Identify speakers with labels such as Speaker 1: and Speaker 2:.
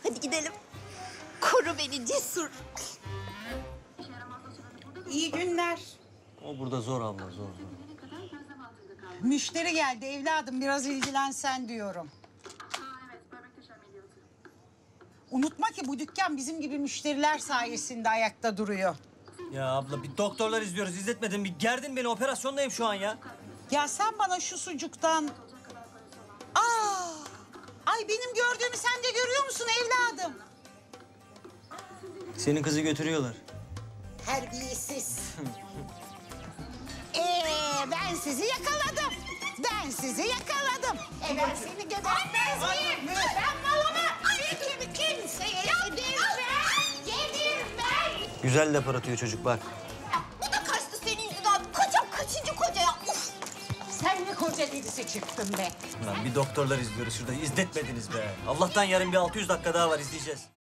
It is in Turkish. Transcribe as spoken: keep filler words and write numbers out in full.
Speaker 1: Hadi gidelim. Koru beni Cesur.
Speaker 2: İyi günler.
Speaker 3: O burada zor abla, zor zor.
Speaker 2: Müşteri geldi evladım, biraz ilgilensen diyorum. Unutma ki bu dükkan bizim gibi müşteriler sayesinde ayakta duruyor.
Speaker 3: Ya abla bir doktorlar izliyoruz, izletmedin. Bir gerdin beni, operasyondayım şu an ya.
Speaker 2: Ya sen bana şu sucuktan... Aa! Ay benim gördüğümü sen de görüyor musun evladım?
Speaker 3: Senin kızı götürüyorlar.
Speaker 2: Terbiyesiz. Ee, ben sizi yakaladım. Ben sizi yakaladım. E ben seni gebertmez miyim? Ben malımı kim kimseye yedirmem. Yedirmem.
Speaker 3: Güzel laf aratıyor çocuk bak.
Speaker 1: Bu da kaçtı senin yüzünden. Kocam kaçıncı koca ya? Uf.
Speaker 2: Sen ne koca delisi çıktın be.
Speaker 3: Lan bir doktorlar izliyoruz şurada, izletmediniz be. Allah'tan yarın bir altı yüz dakika daha var, izleyeceğiz.